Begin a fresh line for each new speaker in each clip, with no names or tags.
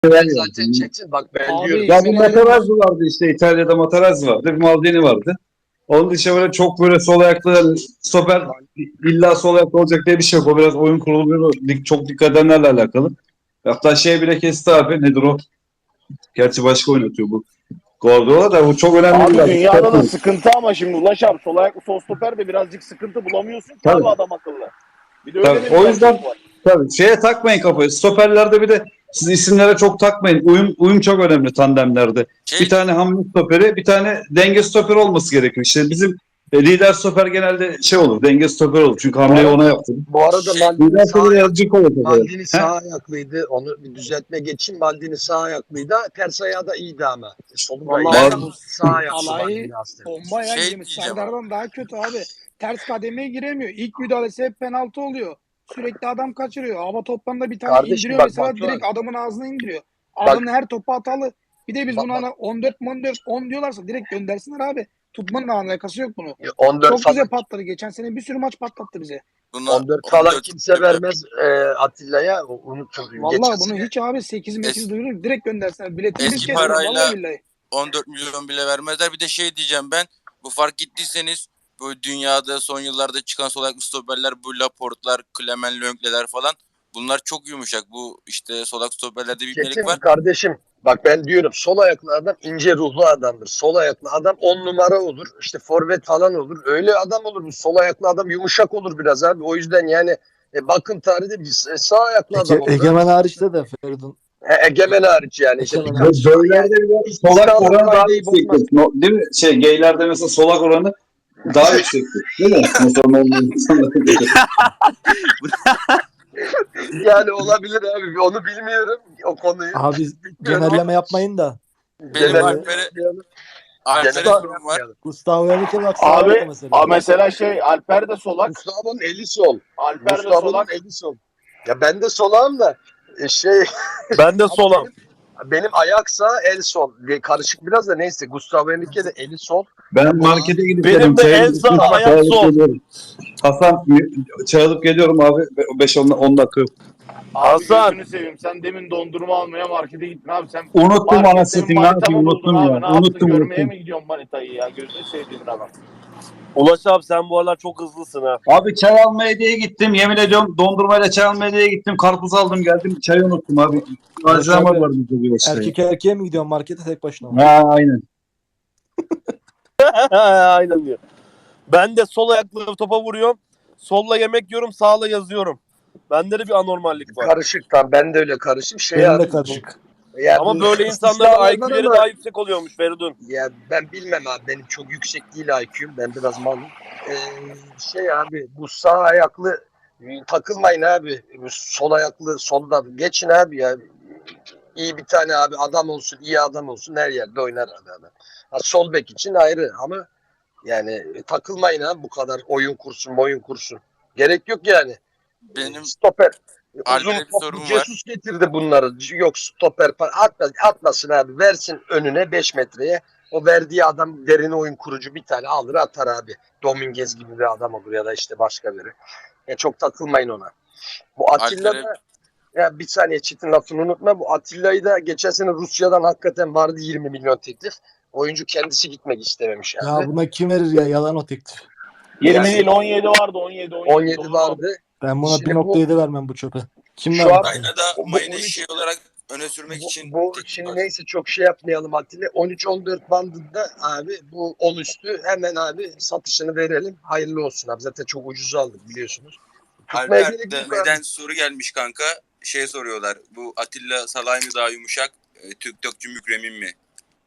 Ben zaten çeksin. Bak ben
Abi,
diyorum.
Ya bir Materazzi vardı işte, İtalya'da Materazzi vardı. Bir Maldini vardı. Onun dışında böyle çok böyle sol ayaklı stoper illa sol ayaklı olacak diye bir şey yok. O biraz oyun kurulu çok dikkat edenlerle alakalı. Hatta şey bile kesti abi. Nedir o? Gerçi başka oynatıyor bu. Guardiola da bu çok önemli
Abi
bir
dünyada da
abi.
sıkıntı ama şimdi Ulaş abi sol ayaklı sol stoper de birazcık sıkıntı bulamıyorsun ki abi
Tabii.
adam akıllı. Bir de öyle
Tabii.
de bir
O
gerçek
yüzden
var.
tabii şeye takmayın kafayı. Stoperlerde bir de siz isimlere çok takmayın. Uyum çok önemli tandemlerde. Bir tane hamle stoperi, bir tane denge stoperi olması gerekiyor. İşte bizim lider stoper genelde şey olur, denge stoper olur. Çünkü hamleyi ona yaptım.
Bu arada Maldini
Lider
sağ
stoper
ayak,
yazıcı olur.
Maldini sağ ayaklıydı. Onu bir düzeltme geçeyim. Maldini sağ ayaklıydı. Ters ayağı da iyiydi ama. Solu da iyiydi.
Vallahi
Bu sağ ayaklı
alayı
Maldini aslında.
bomba ya,
Şey
girmiş.
diyeceğim
Serdar'dan daha kötü abi. Ters kademeye giremiyor. İlk müdahalesi hep penaltı oluyor. Sürekli adam kaçırıyor. Hava toplarında bir tane
Kardeşim
indiriyor
bak
mesela,
Batuhan.
direkt adamın ağzına indiriyor.
Bak,
Adamın her topu hatalı. Bir de biz
bak,
buna
bak.
hani 14 10 diyorlarsa direkt göndersinler abi. Tutmanın alakası yok bunu.
14
Çok
falan,
bize patladı. Geçen sene bir sürü maç patlattı bize.
buna
14 falan
14
kimse vermez Atilla'ya. Unutun. Geçen
Vallahi bunu
sene
hiç abi 8 mekiz
Es-
duyurur. Direkt göndersinler. Biletini biz
eski
keseriz. Vallahi
parayla
billahi.
14 milyon bile vermezler. Bir de şey diyeceğim ben. Bu fark gittiyseniz bu dünyada son yıllarda çıkan sol ayaklı stoperler, bu Laporte'lar, Clement Lenglet'ler falan, bunlar çok yumuşak. Bu işte sol ayaklı stoperlerde bir ibnelik
Çetin
var.
kardeşim bak ben diyorum sol ayaklı adam ince ruhlu adamdır. Sol ayaklı adam 10 numara olur. İşte forvet falan olur. Öyle adam olur. Bu sol ayaklı adam yumuşak olur biraz abi. O yüzden yani bakın tarihte bir sağ ayaklı adam olur.
Egemen hariçte de Feridun.
Egemen hariç yani. İşte
Egemen
birkaç
Göllerde bile solak oranı daha
kaideyi bozmaz.
yüksektir. Değil mi? Geylerde mesela solak oranı daha yüksektir. Değil mi? Mesela normal insanlara göre.
Yani olabilir abi. Onu bilmiyorum. O konuyu.
Abi genelleme yapmayın da.
Benim
Genel-
Alper'e
Genel-
sorum var.
Gustavo Henrique bak sağ ayakta
Abi
mesela.
mesela şey Alper de solak.
Gustavo'nun eli sol.
Alper de
Gustavo'nun
solak.
eli sol. Ya ben de solağım da şey
Ben de solam.
benim ayak sağ el sol. Karışık biraz da neyse. Gustavo Henrique de eli sol.
Ben markete gidip
Benim
geliyorum.
de
Çay
en
alıp-
sağ,
çay
ayak
alıp
sol.
geliyorum. Hasan çay alıp geliyorum abi. 5-10 dakika yok.
Abi
Hasan.
gözünü seveyim. Sen demin dondurma almaya markete gittin abi. Sen
Unuttum
markette
anasını satayım. Ne
manita
yapayım?
mı buldun
Unuttum
abi?
ya.
Ne yaptın?
Unuttum.
Görmeye mi gidiyorsun manitayı ya? Gözünü sevdiğin adam.
Ulaş abi sen bu aralar çok hızlısın ha.
Abi çay almaya diye gittim. Yemin ediyorum dondurmayla çay almaya diye gittim. Karpuz aldım geldim. Çayı unuttum abi. Acilama
abi,
var bizde bir işte.
Erkek erkeğe mi gidiyorsun markete tek başına mı?
Ha aynen.
Aynen diyor. Ben de sol ayakla topa vuruyorum. Solla yemek yiyorum, sağla yazıyorum. Bende de bir anormallik var.
Karışık tam. Ben de öyle karışım. Şey
Benim
abi,
de karışık.
yani
Ama
bu
böyle insanların
istisnalardan
IQ'leri
ama-
daha yüksek oluyormuş Feridun.
Ya ben bilmem abi. Benim çok yüksek değil IQ'm. Ben biraz malım. Şey abi bu sağ ayaklı takılmayın abi. Bu sol ayaklı solda geçin abi ya. İyi bir tane abi adam olsun, iyi adam olsun her yerde oynar abi adam. Ha, sol bek için ayrı ama yani takılmayın abi bu kadar oyun kursun. Gerek yok yani.
Benim
Stoper.
Alper'e
Uzun
bir
top.
sorum var.
Jesus getirdi bunları. Yok stoper atmasın abi. Versin önüne 5 metreye. O verdiği adam derin oyun kurucu bir tane alır atar abi. Dominguez gibi bir adam olur ya da işte başka biri. Çok takılmayın ona. Bu Atilla
Alper'e
da ya bir saniye Çetin lafını unutma. Bu Atilla'yı da geçen sene Rusya'dan hakikaten vardı 20 milyon teklif. Oyuncu kendisi gitmek istememiş
Ya
abi.
buna kim verir ya, yalan o teklif.
20
Yani-
değil 17 vardı 17.
17 vardı.
Ben buna
Şimdi
1.7 vermem bu çöpe. Kim
Şu
verdi?
an-
Aynada
Bu
mayını
13
şey olarak öne sürmek için
Bu
teklif
şimdi
var.
neyse çok şey yapmayalım Atilla. 13-14 bandında abi bu 10 üstü hemen abi satışını verelim. Hayırlı olsun abi. Zaten çok ucuz aldık biliyorsunuz. Tutmaya gerek
Alper
yok
neden
abi.
soru gelmiş kanka? Şey soruyorlar. Bu Atilla Salay mı daha yumuşak? Türk Mükremin mi?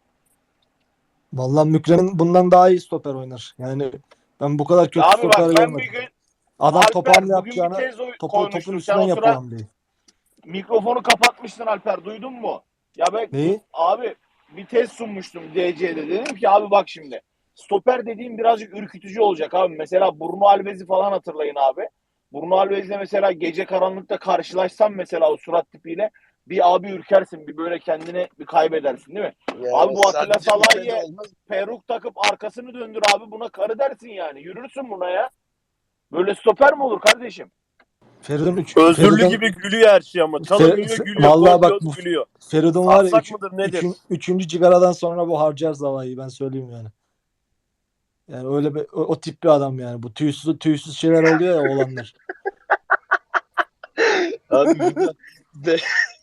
Vallahi Mükremin bundan daha iyi stoper oynar. Yani ben bu kadar kötü
Abi
stoper
bak ben
görmedim.
bir gün
Adam topu
Alper
hamle
bugün bir
yapacağına
tez
topun
koymuştum. Sen
üstünden
o
yapıyor
sıra
hamleyi.
mikrofonu kapatmıştın Alper. Duydun mu? Ya ben
Neyi?
abi bir test sunmuştum DC'de. Dedim ki abi bak şimdi. Stoper dediğim birazcık ürkütücü olacak abi. Mesela Bruno Alves'i falan hatırlayın abi. Bruno Alves'le mesela gece karanlıkta karşılaşsam mesela o surat tipiyle bir abi ürkersin. Bir böyle kendini bir kaybedersin değil mi?
Yani
Abi bu Atilla
sadece bir
Salah'ı
sene olmaz.
peruk takıp arkasını döndür abi buna karı dersin yani. Yürürsün buna ya. Böyle stoper mi olur kardeşim?
Feridun
Özürlü gibi gülüyor her şey ama. Çalımıyor gülüyor.
Vallahi
Gol
bak
diyoruz
bu
gülüyor.
Feridun var ya
Sarsak mıdır nedir?
üçüncü cigaradan sonra bu harcar zavayı, ben söyleyeyim yani. Yani öyle bir o tip bir adam yani. Bu tüysüz şeyler oluyor ya, olanlar.
Abi burada be-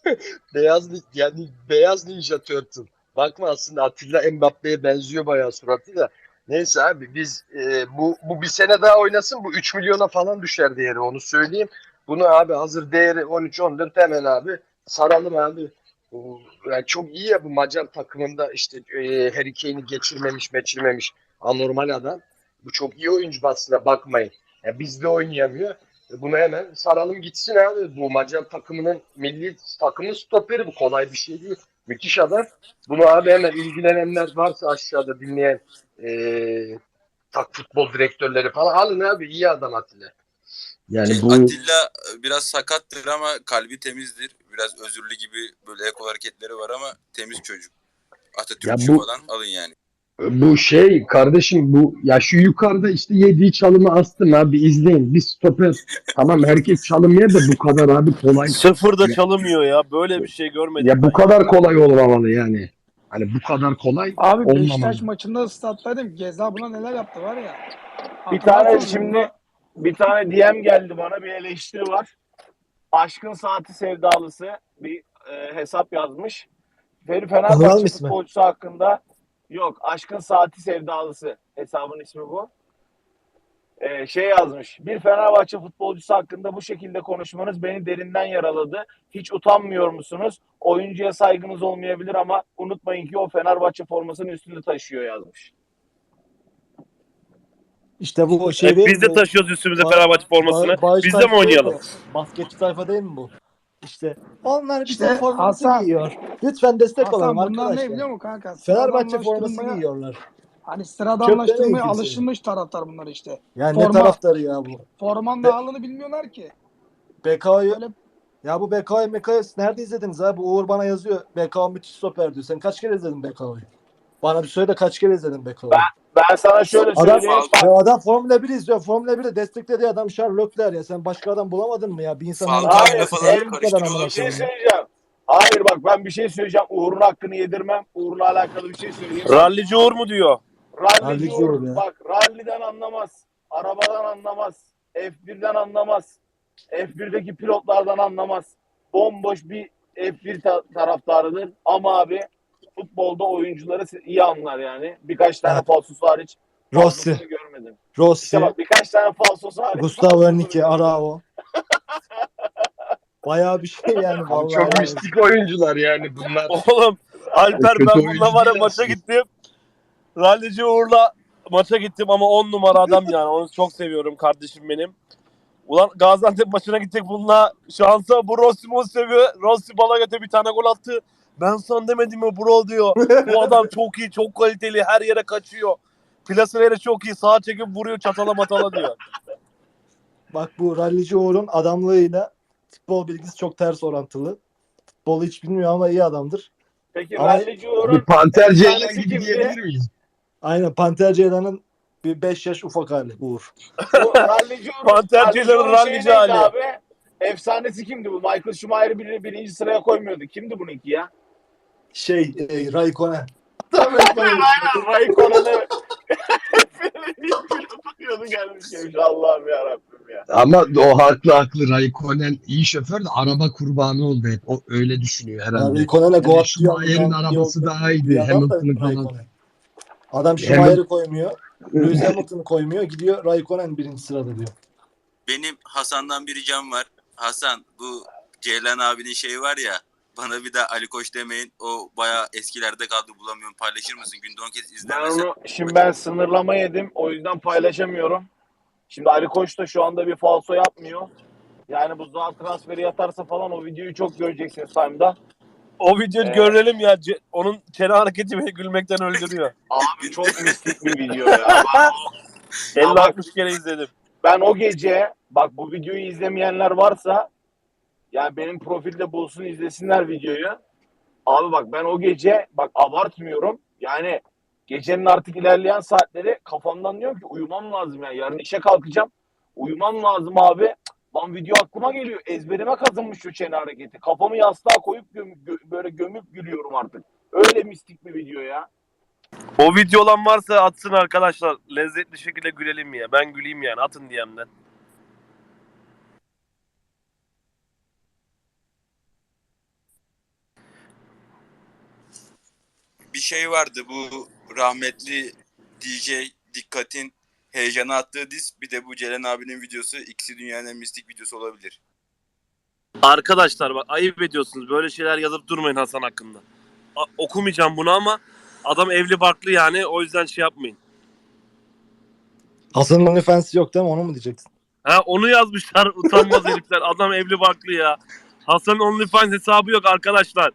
beyaz Ninja Turtle. Bakma aslında Atilla Mbappe'ye benziyor bayağı suratı da. Neyse abi biz bu bir sene daha oynasın, bu 3 milyona falan düşer değeri, onu söyleyeyim. Bunu abi hazır değeri 13-14, hemen abi saralım abi. Yani çok iyi ya bu Macar takımında, işte Harry Kane'i geçirmemiş anormal adam. Bu çok iyi oyuncu aslında, bakmayın. Ya bizde oynayamıyor. Bunu hemen saralım gitsin abi. Bu Macar takımının milli takımın stoperi, bu kolay bir şey değil. Müthiş adam. Bunu abi hemen ilgilenenler varsa aşağıda dinleyen futbol direktörleri falan alın abi, iyi adam Atilla. Yani bu
Atilla biraz sakattır ama kalbi temizdir. Biraz özürlü gibi böyle eko hareketleri var ama temiz çocuk. Atatürkçü falan alın yani.
Bu şey kardeşim, bu ya şu yukarıda işte yediği çalımı astım abi, izleyin. Bir stoper, tamam herkes çalımıyor da bu kadar abi kolay.
Sıfır da
Ya,
çalımıyor ya. Böyle bir şey görmedim
ya bu
ben.
kadar kolay olmamalı yani. Hani bu kadar kolay
Abi
olmamalı.
Beşiktaş maçında stat'taydım. Geza buna neler yaptı var ya.
Bir tane
Hatırlarsın
şimdi
bunda.
bir tane DM geldi bana, bir eleştiri var. Aşkın Saati sevdalısı bir hesap yazmış.
Anladın
Fenerbahçe
mı ismi?
futbolcusu hakkında, yok, Aşkın Saati sevdalısı hesabın ismi bu. Şey yazmış. Bir Fenerbahçe futbolcusu hakkında bu şekilde konuşmanız beni derinden yaraladı. Hiç utanmıyor musunuz? Oyuncuya saygınız olmayabilir ama unutmayın ki o Fenerbahçe formasının üstünde taşıyor yazmış.
İşte bu şey değil
Biz
mi?
de taşıyoruz üstümüze
Ba-
Fenerbahçe formasını.
Bağış
Biz de mi
tayfa değil
oynayalım?
mi? Basketçi tayfa değil mi bu? İşte onlar bizim
İşte
formamızı
Hasan,
giyiyor. Lütfen destek olalım
Hasan bunlar ne
arkadaşlar.
biliyor musun kanka?
Fenerbahçe forması
Sıradanlaştırılmaya,
giyiyorlar.
hani
Çöplemeyin
sıradanlaştırmaya
kimseyi.
alışılmış taraftar bunlar işte.
Ya ne taraftarı ya bu?
Formanın
Be-
ağırlığını bilmiyorlar ki.
BK'yı
Böyle
ya bu BK'yı nerede izlediniz abi? Uğur bana yazıyor. BK müthiş stoper diyor. Sen kaç kere izledin BK'yı? Bana bir söyle, kaç kere izledin BK'yı?
Ben sana şöyle
Adam,
söyleyeyim.
ya adam Formula 1 izliyor. Formula 1'de desteklediği adam Charles Leclerc ya. Sen başka adam bulamadın mı ya? Bir insan
Falcao'yla
Hayır,
falan
bu kadar
karıştırıyor
amına
bir şey
koyayım ya.
söyleyeceğim. Hayır bak, ben bir şey söyleyeceğim. Uğur'un hakkını yedirmem. Uğur'la alakalı bir şey söyleyeyim.
Rallici Uğur mu diyor?
Rallici
Rallici
Uğur
Uğur ya.
bak, ralliden anlamaz. Arabadan anlamaz. F1'den anlamaz. F1'deki pilotlardan anlamaz. Bomboş bir F1 taraftarıdır. Ama abi futbolda oyuncuları iyi anlar yani. Birkaç tane
Evet.
falsosu hariç
Rossi,
fazlasını görmedim. İşte
Rossi,
bak, birkaç tane falsosu hariç
Gustavo
fazlasını
Henrique,
görmedim.
Arao. Bayağı bir şey yani
Abi
vallahi.
çok
Yani.
mistik oyuncular yani bunlar.
Oğlum Alper,
Kötü
ben
oyuncu
bununla var ya
değil
maça
aslında.
gittim. Rallici Uğur'la maça gittim ama 10 numara adam yani. Onu çok seviyorum, kardeşim benim. Ulan Gaziantep maçına gittik bununla. Şansa bu Rossi seviyor. Rossi bala göte bir tane gol attı. Ben sana demedim mi bro diyor. Bu adam çok iyi, çok kaliteli. Her yere kaçıyor. Plaseleri çok iyi. Sağa çekip vuruyor, çatala matala diyor.
Bak bu Rallici Uğur'un adamlığıyla futbol bilgisi çok ters orantılı. Futbolu hiç bilmiyor ama iyi adamdır.
Peki
Ama
Rallici
Bir
Uğur'un
Panter Ceylan
efsanesi
gibi
kimdi?
diyebilir miyiz?
aynen Panter Ceylan'ın bir 5 yaş ufak hali Uğur.
Bu Rallici Uğur'un
Pantercilerin rallici
şeyi neydi
hali.
abi? Efsanesi kimdi bu? Michael Schumacher'ı birinci sıraya koymuyordu. Kimdi bununki ya?
Raikkonen.
Raikkonen'ı pilotu gelmiş Allah'ım yarabbim ya.
Ama o haklı Raikkonen iyi şoför de araba kurbanı oldu hep. O öyle düşünüyor
Ya
herhalde.
Raikkonen'e
Yani
Goat
Schumacher'in arabası daha iyiydi. Hamilton'ın falan.
Raikkonen. Adam Schumacher'ı koymuyor. Lewis Hamilton'ı koymuyor. Gidiyor Raikkonen birinci sırada diyor.
Benim Hasan'dan bir ricam var. Hasan, bu Ceylan abinin şeyi var ya, bana bir daha Ali Koç demeyin. O bayağı eskilerde kaldı, bulamıyorum. Paylaşır mısın? Günde 10 kez
Ben
izlemesen.
onu şimdi sınırlama yedim. O yüzden paylaşamıyorum. Şimdi Ali Koç da şu anda bir falso yapmıyor. Yani bu Zaha transferi yatarsa falan o videoyu çok göreceksiniz Time'da.
O videoyu görelim ya. Onun çene hareketi beni gülmekten öldürüyor.
Abi çok mistik bir video ya.
50-60 kere izledim.
Ben o gece, bak bu videoyu izlemeyenler varsa yani benim profilde bulsun, izlesinler videoyu. Abi bak, ben o gece, bak abartmıyorum. Yani gecenin artık ilerleyen saatleri kafamdan diyorum ki uyumam lazım yani. Yarın işe kalkacağım. Uyumam lazım abi. Lan video aklıma geliyor. Ezberime kazınmış şu çene hareketi. Kafamı yastığa koyup böyle gömüp gülüyorum artık. Öyle mistik bir video ya.
O video olan varsa atsın arkadaşlar. Lezzetli şekilde gülelim ya. Ben güleyim yani. Atın DM'den.
Bir şey vardı, bu rahmetli DJ Dikkat'in heyecana attığı diz, bir de bu Ceren abinin videosu, ikisi dünyanın en mistik videosu olabilir.
Arkadaşlar bak, ayıp ediyorsunuz. Böyle şeyler yazıp durmayın Hasan hakkında. Okumayacağım bunu ama adam evli barklı yani. O yüzden şey yapmayın.
Hasan'ın OnlyFans yok değil mi? Onu mu diyeceksin?
Ha, onu yazmışlar utanmaz herifler. Adam evli barklı ya. Hasan'ın OnlyFans hesabı yok arkadaşlar.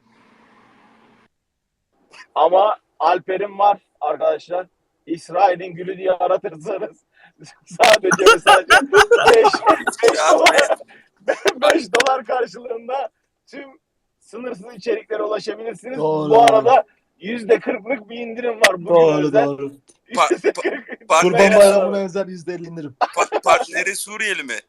Ama Alper'in var arkadaşlar. İsrail'in gülü diye aratırsanız sadece ve sadece 5 dolar karşılığında tüm sınırsız içeriklere ulaşabilirsiniz.
Doğru.
Bu arada %40'lık bir indirim var. Bugün
Doğru
özel.
doğru.
Par-
Kurban Bayramı'na özel %50 indirim.
Partneri Suriyeli mi?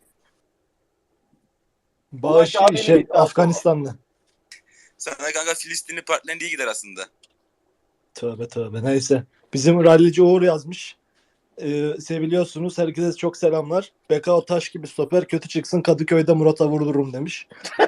Bağış
Ulaş abinin iddiası
Afganistanlı.
Sana kanka Filistinli partnerin iyi gider aslında.
Tövbe tövbe. Neyse. Bizim rallici Uğur yazmış. Seviliyorsunuz. Herkese çok selamlar. Bekao taş gibi stoper, kötü çıksın Kadıköy'de Murat'a vurdururum demiş.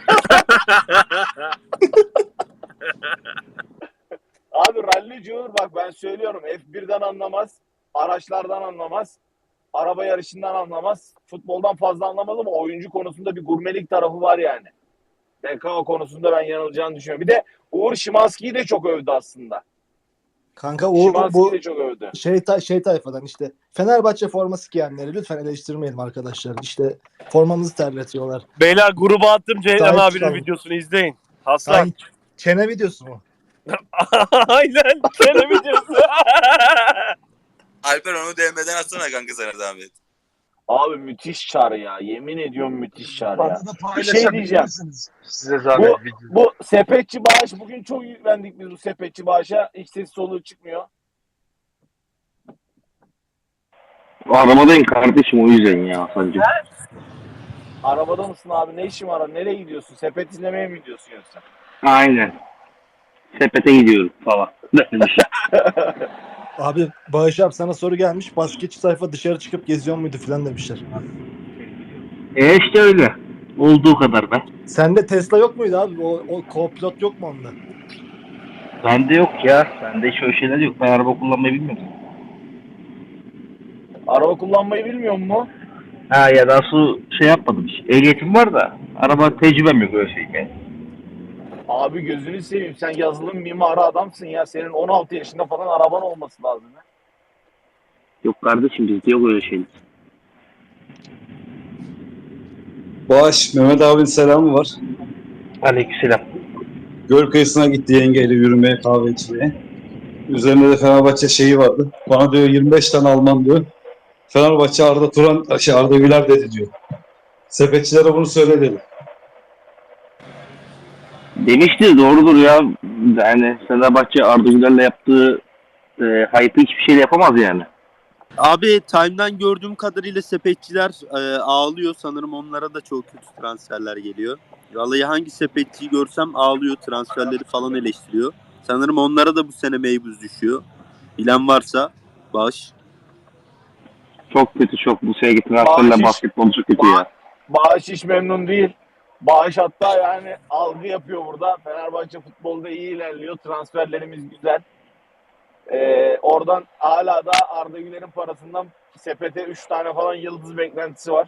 Abi rallici Uğur bak ben söylüyorum F1'den anlamaz, araçlardan anlamaz, araba yarışından anlamaz, futboldan fazla anlamaz ama oyuncu konusunda bir gurmelik tarafı var yani. BKO konusunda ben yanılacağını düşünüyorum. Bir de Uğur Şimanski'yi de çok övdü aslında.
Kanka Uğur
Şimanski'yi
bu
de çok övdü.
şey tayfadan işte Fenerbahçe forması giyenleri lütfen eleştirmeyelim arkadaşlar. İşte formamızı terletiyorlar.
Beyler gruba attım Ceylan
Sahip
abinin
çıkalım.
videosunu izleyin. Hasan.
Ay, çene videosu mu?
Aynen. Senin videosu.
Alper onu DM'den atsana kanka sana zahmet.
Abi müthiş çar ya. Yemin ediyorum müthiş çar ya.
Fazla
Bir şey diyeceğim.
paylaşabilirsiniz. Size zahmet video.
Bu sepetçi bağış bugün çok yüklendik biz bu sepetçi bağışa. Hiç ses soluğu çıkmıyor.
Arabadayım kardeşim o yüzden ya Hasan'cığım.
Arabada mısın abi? Ne işin var? Nereye gidiyorsun? Sepet izlemeye mi gidiyorsun yoksa?
Aynen. Sepete gidiyorum falan.
Abi Bağış abi sana soru gelmiş. Basketçi sayfa dışarı çıkıp geziyor muydu filan demişler.
İşte öyle. Olduğu kadar be.
Sende Tesla yok muydu abi? O co-pilot yok mu onda?
Bende yok ya. Bende hiç öyle şeyler yok. Ben araba kullanmayı bilmiyorum.
Araba kullanmayı bilmiyor mu?
Ha ya daha su şey yapmadım hiç. Ehliyetim var da araba tecrübem yok öyle şey yani.
Abi gözünü seveyim. Sen yazılım mimarı adamsın ya. Senin 16 yaşında falan araban olması lazım. Ya.
Yok kardeşim bizde yok öyle şey.
Bağış, Mehmet abinin selamı var.
Aleykümselam.
Göl kıyısına gitti yengeyle yürümeye, kahve içmeye. Üzerinde de Fenerbahçe şeyi vardı. Bana diyor 25 tane Alman diyor. Fenerbahçe Arda Turan, Arda Güler dedi diyor. Sepetçilere bunu söyle dedi.
Demiştir doğrudur ya. Yani Fenerbahçe Arda Güler'le yaptığı hype'ı hiçbir şeyle yapamaz yani.
Abi Time'dan gördüğüm kadarıyla sepetçiler ağlıyor. Sanırım onlara da çok kötü transferler geliyor. Vallahi hangi sepetçiyi görsem ağlıyor. Transferleri falan eleştiriyor. Sanırım onlara da bu sene meybuz düşüyor. Bilen varsa baş.
Çok kötü çok. Bu sene transferle
Bahşiş.
basketbol çok kötü ya.
Bağış hiç memnun değil. Bağış hatta yani algı yapıyor burada. Fenerbahçe futbolda iyi ilerliyor. Transferlerimiz güzel. Oradan hala da Arda Güler'in parasından sepete 3 tane falan yıldız beklentisi var.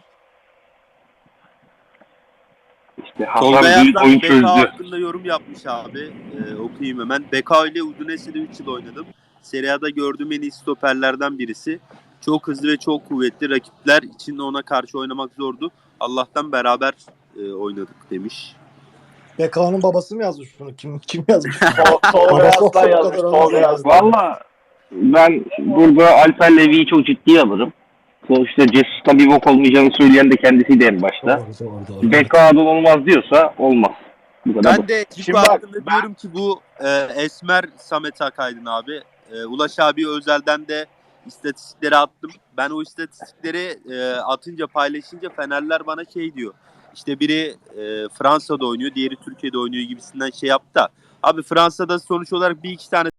İşte
Tolga
Hasan büyük
Yazdan
oyun
BK
çözdü.
hakkında yorum yapmış abi. Okuyayım hemen. BK ile Udinese'de 3 yıl oynadım. Serie A'da gördüğüm en iyi stoperlerden birisi. Çok hızlı ve çok kuvvetli. Rakipler için ona karşı oynamak zordu. Allah'tan beraber oynadık demiş.
BK'nın babası mı yazmış bunu? Kim yazmış?
Tolga
Parası olsa
Yazdan
bu
yazmış.
kadar
Tolga
olmaz.
Yazdan.
Valla ben burada Alper Levi'yi çok ciddiye alırım. Sonuçta Jesus'ta bir bok olmayacağını söyleyen de kendisiydi en başta.
Doğru.
BK'dan olmaz diyorsa olmaz. Bu kadar.
Ben de
Şimdi
Cipa
bak,
hakkında diyorum ki bu Esmer Samet Akaydın abi. Ulaş abi özelden de İstatistikleri attım. Ben o istatistikleri atınca, paylaşınca Fenerler bana şey diyor. İşte biri Fransa'da oynuyor, diğeri Türkiye'de oynuyor gibisinden şey yaptı da. Abi Fransa'da sonuç olarak bir iki tane